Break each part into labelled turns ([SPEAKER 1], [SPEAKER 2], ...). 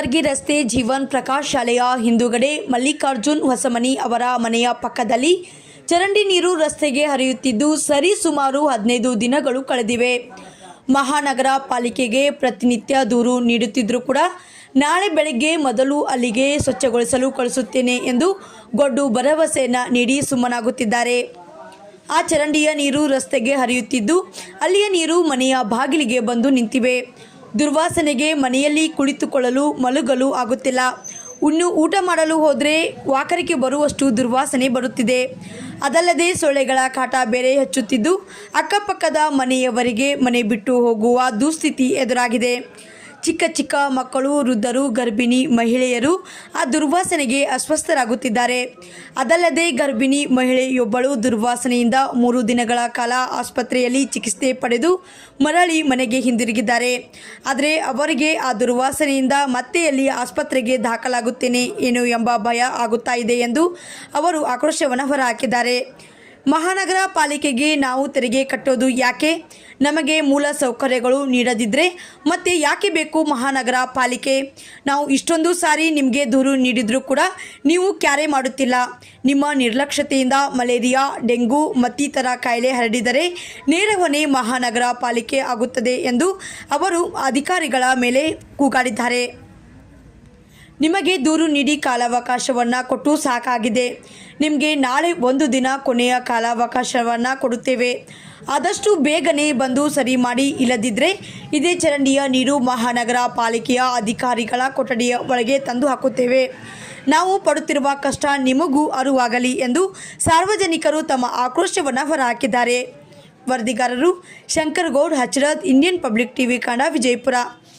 [SPEAKER 1] ಕಲಬುರಗಿ ರಸ್ತೆ ಜೀವನ್ ಪ್ರಕಾಶ್ ಶಾಲೆಯ ಹಿಂದುಗಡೆ ಮಲ್ಲಿಕಾರ್ಜುನ್ ಹೊಸಮನಿ ಅವರ ಮನೆಯ ಪಕ್ಕದಲ್ಲಿ ಚರಂಡಿ ನೀರು ರಸ್ತೆಗೆ ಹರಿಯುತ್ತಿದ್ದು ಸರಿಸುಮಾರು 15 ದಿನಗಳು ಕಳೆದಿವೆ. ಮಹಾನಗರ ಪಾಲಿಕೆಗೆ ಪ್ರತಿನಿತ್ಯ ದೂರು ನೀಡುತ್ತಿದ್ದರೂ ಕೂಡ ನಾಳೆ ಬೆಳಗ್ಗೆ ಮೊದಲು ಅಲ್ಲಿಗೆ ಸ್ವಚ್ಛಗೊಳಿಸಲು ಕಳಿಸುತ್ತೇನೆ ಎಂದು ಗೊಡ್ಡು ಭರವಸೆಯನ್ನು ನೀಡಿ ಸುಮ್ಮನಾಗುತ್ತಿದ್ದಾರೆ. ಆ ಚರಂಡಿಯ ನೀರು ರಸ್ತೆಗೆ ಹರಿಯುತ್ತಿದ್ದು ಅಲ್ಲಿಯ ನೀರು ಮನೆಯ ಬಾಗಿಲಿಗೆ ಬಂದು ನಿಂತಿವೆ. ದುರ್ವಾಸನೆಗೆ ಮನೆಯಲ್ಲಿ ಕುಳಿತುಕೊಳ್ಳಲು ಮಲಗಲು ಆಗುತ್ತಿಲ್ಲ. ಊಟ ಮಾಡಲು ಹೋದರೆ ವಾಕರಿಕೆ ಬರುವಷ್ಟು ದುರ್ವಾಸನೆ ಬರುತ್ತಿದೆ. ಅದಲ್ಲದೆ ಸೊಳ್ಳೆಗಳ ಕಾಟ ಬೇರೆ ಹೆಚ್ಚುತ್ತಿದ್ದು ಅಕ್ಕಪಕ್ಕದ ಮನೆಯವರಿಗೆ ಮನೆ ಬಿಟ್ಟು ಹೋಗುವ ದುಸ್ಥಿತಿ ಎದುರಾಗಿದೆ. ಚಿಕ್ಕ ಚಿಕ್ಕ ಮಕ್ಕಳು, ವೃದ್ಧರು, ಗರ್ಭಿಣಿ ಮಹಿಳೆಯರು ಆ ದುರ್ವಾಸನೆಗೆ ಅಸ್ವಸ್ಥರಾಗುತ್ತಿದ್ದಾರೆ. ಅದಲ್ಲದೆ ಗರ್ಭಿಣಿ ಮಹಿಳೆಯೊಬ್ಬಳು ದುರ್ವಾಸನೆಯಿಂದ 3 ದಿನಗಳ ಕಾಲ ಆಸ್ಪತ್ರೆಯಲ್ಲಿ ಚಿಕಿತ್ಸೆ ಪಡೆದು ಮರಳಿ ಮನೆಗೆ ಹಿಂದಿರುಗಿದ್ದಾರೆ. ಆದರೆ ಅವರಿಗೆ ಆ ದುರ್ವಾಸನೆಯಿಂದ ಮತ್ತೆ ಅಲ್ಲಿ ಆಸ್ಪತ್ರೆಗೆ ದಾಖಲಾಗುತ್ತೇನೆ ಏನು ಎಂಬ ಭಯ ಆಗುತ್ತಾ ಇದೆ ಎಂದು ಅವರು ಆಕ್ರೋಶವನ್ನು ಹೊರಹಾಕಿದ್ದಾರೆ. ಮಹಾನಗರ ಪಾಲಿಕೆಗೆ ನಾವು ತೆರಿಗೆ ಕಟ್ಟೋದು ಯಾಕೆ? ನಮಗೆ ಮೂಲ ಸೌಕರ್ಯಗಳು ನೀಡದಿದ್ದರೆ ಮತ್ತೆ ಯಾಕೆ ಬೇಕು ಮಹಾನಗರ ಪಾಲಿಕೆ? ನಾವು ಇಷ್ಟೊಂದು ಸಾರಿ ನಿಮಗೆ ದೂರು ನೀಡಿದರೂ ಕೂಡ ನೀವು ಕ್ಯಾರೆ ಮಾಡುತ್ತಿಲ್ಲ. ನಿಮ್ಮ ನಿರ್ಲಕ್ಷ್ಯತೆಯಿಂದ ಮಲೇರಿಯಾ, ಡೆಂಗು ಮತ್ತಿತರ ಕಾಯಿಲೆ ಹರಡಿದರೆ ನೇರ ಹೊಣೆ ಮಹಾನಗರ ಪಾಲಿಕೆ ಆಗುತ್ತದೆ ಎಂದು ಅವರು ಅಧಿಕಾರಿಗಳ ಮೇಲೆ ಕೂಗಾಡಿದ್ದಾರೆ. ನಿಮಗೆ ದೂರು ನೀಡಿ ಕಾಲಾವಕಾಶವನ್ನು ಕೊಟ್ಟು ಸಾಕಾಗಿದೆ. ನಿಮಗೆ ನಾಳೆ 1 ದಿನ ಕೊನೆಯ ಕಾಲಾವಕಾಶವನ್ನು ಕೊಡುತ್ತೇವೆ. ಆದಷ್ಟು ಬೇಗನೆ ಬಂದು ಸರಿ ಮಾಡಿ, ಇಲ್ಲದಿದ್ದರೆ ಇದೇ ಚರಂಡಿಯ ನೀರು ಮಹಾನಗರ ಪಾಲಿಕೆಯ ಅಧಿಕಾರಿಗಳ ಕೊಠಡಿಯ ಒಳಗೆ ತಂದು ಹಾಕುತ್ತೇವೆ. ನಾವು ಪಡುತ್ತಿರುವ ಕಷ್ಟ ನಿಮಗೂ ಅರಿವಾಗಲಿ ಎಂದು ಸಾರ್ವಜನಿಕರು ತಮ್ಮ ಆಕ್ರೋಶವನ್ನು ಹೊರಹಾಕಿದ್ದಾರೆ. ವರದಿಗಾರರು Shankar Goud, Hachrad, Indian public TV Kannada, Vijayapura.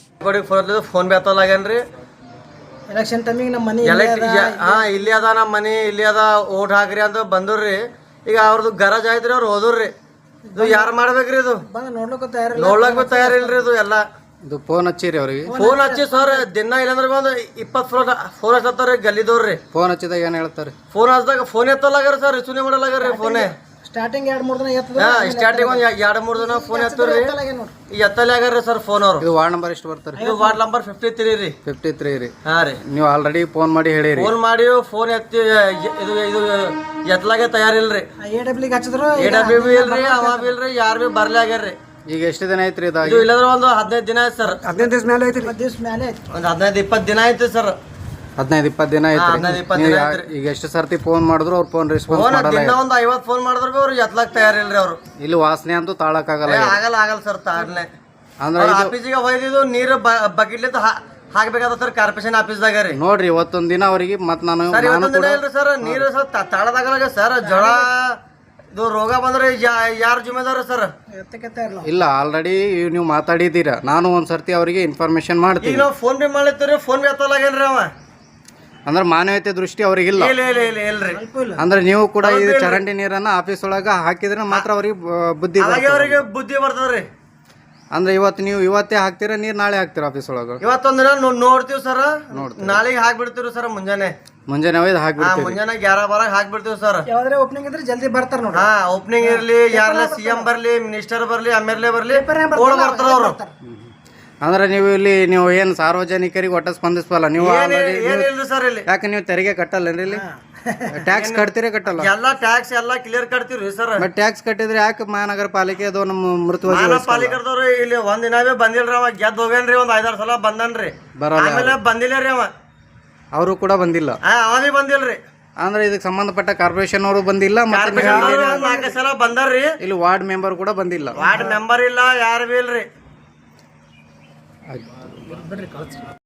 [SPEAKER 2] Election ಟೈಮಿಗೆ ನಮ್ಮ ಮನೆ
[SPEAKER 3] ಇಲ್ಲಿ ಅದ, ನಮ್ಮ ಮನೆ ಇಲ್ಲಿ ಅದ, ಓಟ್ ಹಾಕ್ರಿ ಅಂತ ಬಂದ್ರಿ. ಈಗ ಅವ್ರದ್ದು ಗರಜ್ ಆಯ್ತ್ರಿ, ಅವ್ರು ಹೋದ್ರಿ. ಇದು ಯಾರು ಮಾಡ್ಬೇಕ್ರಿ? ಇದು ನೋಡ್ಲಕ್ ತಯಾರಿಲ್ರಿ. ಇದು ಎಲ್ಲ
[SPEAKER 4] ಇದು ಫೋನ್ ಹಚ್ಚಿರಿ ಅವ್ರಿಗೆ?
[SPEAKER 3] ಫೋನ್ ಹಚ್ಚಿ ಸರ್ ದಿನ ಇಲ್ಲಂದ್ರೆ ಬಂದು 20 ಫೋನ್ ಹಚ್ಚತ್ತಾರ ಗಲ್ಲಿದವ್ರಿ.
[SPEAKER 4] ಫೋನ್ ಹಚ್ಚಿದಾಗ ಏನ್ ಹೇಳ್ತಾರೆ?
[SPEAKER 3] ಫೋನ್ ಹಚ್ಚಿದಾಗ ಫೋನ್ ಎತ್ತಲಾಗ್ರಿ ಸರ್, ರಿಸೀವ್ ಮಾಡಲಾಗ್ರಿ ಫೋನೇ.
[SPEAKER 2] ಸ್ಟಾರ್ಟಿಂಗ್ 2-3 ದಿನ
[SPEAKER 3] ಸ್ಟಾರ್ಟಿಂಗ್ ಒಂದು 2-3 ದಿನ ಫೋನ್ ಎತ್ತರಿ, ಎತ್ತಲೇ ಆಗ್ರಿ ಸರ್ ಫೋನ್. ಅವ್ರು
[SPEAKER 4] ಇದು ವಾರ್ಡ್ ನಂಬರ್ ಎಷ್ಟು ಬರ್ತಾರೆ?
[SPEAKER 3] ಇದು ವಾರ್ಡ್ ನಂಬರ್ 53 ರೀ.
[SPEAKER 4] 53 ರೀ.
[SPEAKER 3] ಹಾ ರೀ.
[SPEAKER 4] ನೀವು ಆಲ್ರೆಡಿ ಫೋನ್ ಮಾಡಿ ಹೇಳಿರಿ?
[SPEAKER 3] ಫೋನ್ ಮಾಡಿ ಫೋನ್ ಎತ್ತಿ ಇದು ಎತ್ತಲಾಗೆ ತಯಾರಿಲ್ರಿ.
[SPEAKER 2] AWB ಹಚ್ಚಿದ್ರು,
[SPEAKER 3] AWB ಇಲ್ರಿ, ಅವ ಬಿ ಇಲ್ರಿ, ಯಾರು ಬಿ ಬರ್ಲೇ ಆಗ್ಯಾರ್ರಿ.
[SPEAKER 4] ಈಗ ಎಷ್ಟು ದಿನ ಐತ್ರಿ ಇದು?
[SPEAKER 3] ಇಲ್ಲಂದ್ರೆ ಒಂದು 15 ದಿನ ಆಯ್ತು ಸರ್.
[SPEAKER 2] 15 ದಿವಸ ಮೇಲೆ ಐತಿ. 15 ದಿವಸ ಮೇಲೆ ಐತಿ.
[SPEAKER 3] ಒಂದು 15-20 ದಿನ ಆಯ್ತು ಸರ್.
[SPEAKER 4] 15-20 ದಿನ ಆಯ್ತು. ಈಗ ಎಷ್ಟು ಸರ್ತಿ ಫೋನ್ ಮಾಡಿದ್ರು ಅವ್ರು ಫೋನ್ ರೆಸ್ಪಾನ್ಸ್ ಮಾಡಲ್ಲ.
[SPEAKER 3] ಒಂದು 50 ಫೋನ್ ಮಾಡಿದ್ರು ಅವ್ರು ಎತ್ತಲಾಕ್ ತಯಾರಿಲ್ರಿ. ಅವ್ರು
[SPEAKER 4] ಇಲ್ಲಿ ವಾಸನೆ ಅಂತೂ ತಾಳಕ್ ಆಗಲ್ಲ
[SPEAKER 3] ಸರ್. ತಾಳ್ನೆ
[SPEAKER 4] ಅಂದ್ರೆ
[SPEAKER 3] ಆಫೀಸಿಗೆ ಒಯ್ದಿದ್ದು ನೀರು ಬಕೆಟ್ಲಿಂದ ಹಾಕ್ಬೇಕಾದ ಸರ್, ಕಾರ್ಪೊರೇಷನ್ ಆಫೀಸ್ದಾಗ ರೀ.
[SPEAKER 4] ನೋಡ್ರಿ ಇವತ್ತೊಂದ್ ದಿನ ಅವ್ರಿಗೆ ಮತ್ ನಾನು
[SPEAKER 3] ಇಲ್ರಿ ಸರ್, ನೀರು ಸರ್ ತಾಳದಾಗಲ್ಲ ಸರ್. ಜ್ವರ ಇದು ರೋಗ ಬಂದ್ರೆ ಯಾರು ಜಿಮ್ಮೆದಾರ ಸರ್?
[SPEAKER 4] ಇಲ್ಲ, ಆಲ್ರೆಡಿ ನೀವು ಮಾತಾಡಿದ್ದೀರಾ. ನಾನು ಒಂದ್ ಸರ್ತಿ ಅವರಿಗೆ ಇನ್ಫಾರ್ಮೇಶನ್ ಮಾಡ್ತೀನಿ.
[SPEAKER 3] ಈಗ ನಾವು ಫೋನ್ ಪೇ ಮಾಡ್ಲತ್ತೀರಿ, ಫೋನ್ ಪೇ ಎತ್ತಲಾಗೇನ್ರಿ ಅವ.
[SPEAKER 4] ಅಂದ್ರೆ ಮಾನವೀಯತೆ ದೃಷ್ಟಿ ಅವ್ರಿಗಿಲ್ಲ.
[SPEAKER 3] ಇಲ್ರಿ.
[SPEAKER 4] ಅಂದ್ರೆ ನೀವು ಕೂಡ ಈ ಚರಂಡಿ ನೀರನ್ನ ಆಫೀಸ್ ಒಳಗ ಹಾಕಿದ್ರೆ ಮಾತ್ರ ಅವ್ರಿಗೆ ಬುದ್ಧಿ
[SPEAKER 3] ಬರ್ತದ್ರಿ.
[SPEAKER 4] ಅಂದ್ರೆ ಇವತ್ತೇ ಹಾಕ್ತೀರಾ ನೀರ್, ನಾಳೆ ಹಾಕ್ತೀರಾ ಆಫೀಸ್ ಒಳಗ?
[SPEAKER 3] ಇವತ್ತೊಂದಿನ ನೋಡ್ತೀವಿ ಸರ್, ನಾಳೆಗೆ ಹಾಕ್ಬಿಡ್ತೀವಿ ಸರ್. ಮುಂಜಾನೆ
[SPEAKER 4] ಒಯ್ದು ಹಾಕ್ಬಿಡ್ತೀವಿ.
[SPEAKER 3] ಮುಂಜಾನೆ 11-12 ಹಾಕ್ಬಿಡ್ತೀವಿ ಸರ್.
[SPEAKER 2] ಯಾವ್ದಾರ ಓಪನಿಂಗ್ ಇದ್ರೆ ಜಲ್ದಿ ಬರ್ತಾರ ನೋಡಿ.
[SPEAKER 3] ಓಪನಿಂಗ್ ಇರ್ಲಿ, ಯಾರನ್ನ CM ಬರ್ಲಿ, ಮಿನಿಸ್ಟರ್ ಬರ್ಲಿ, MLA ಬರ್ಲಿ, ಬರ್ತಾರ ಅವ್ರು.
[SPEAKER 4] ಅಂದ್ರೆ ನೀವು ಏನ್ ಸಾರ್ವಜನಿಕರಿಗೆ ಒಟ್ಟ ಸ್ಪಂದಿಸಲ್ಲ ನೀವು? ಯಾಕೆ ನೀವು ತೆರಿಗೆ ಕಟ್ಟಲ್ಲೇನ್ರಿ? ಇಲ್ಲಿ ಟ್ಯಾಕ್ಸ್ ಕಟ್ತೀರಿ ಕಟ್ಟಲ್ಲ?
[SPEAKER 3] ಎಲ್ಲಾ ಟ್ಯಾಕ್ಸ್ ಎಲ್ಲಾ ಕ್ಲಿಯರ್ ಕಟ್ತೀವ್ರಿ ಸರ್.
[SPEAKER 4] ಟ್ಯಾಕ್ಸ್ ಕಟ್ಟಿದ್ರೆ ಯಾಕೆ ಮಹಾನಗರ ಪಾಲಿಕೆ ಅದು ನಮ್ಮ ಮೃತ
[SPEAKER 3] ಪಾಲಿಕೆದವ್ರು ಇಲ್ಲಿ ಒಂದ್ ದಿನವೇ ಬಂದಿಲ್ರಿ. ಅವ ಗೆದ್ದು ಹೋಗ್ಯಾನ್ರಿ, ಒಂದ್ 5-6 ಸಲ ಬಂದನ್ರಿ. ಆಮೇಲೆ ಬಂದಿಲ್ಲ ರೀ ಅವ.
[SPEAKER 4] ಅವರು ಕೂಡ ಬಂದಿಲ್ಲ?
[SPEAKER 3] ಅವನೇ ಬಂದಿಲ್ರಿ.
[SPEAKER 4] ಅಂದ್ರೆ ಇದಕ್ಕೆ ಸಂಬಂಧಪಟ್ಟ ಕಾರ್ಪೊರೇಷನ್ ಅವರು ಬಂದಿಲ್ಲ, ಮತ್ತೆ
[SPEAKER 3] 4 ಸಲ ಬಂದಾರ್ರಿ.
[SPEAKER 4] ಇಲ್ಲಿ ವಾರ್ಡ್ ಮೆಂಬರ್ ಕೂಡ ಬಂದಿಲ್ಲ?
[SPEAKER 3] ವಾರ್ಡ್ ಮೆಂಬರ್ ಇಲ್ಲ, ಯಾರು ಬಿ ಇಲ್ರಿ.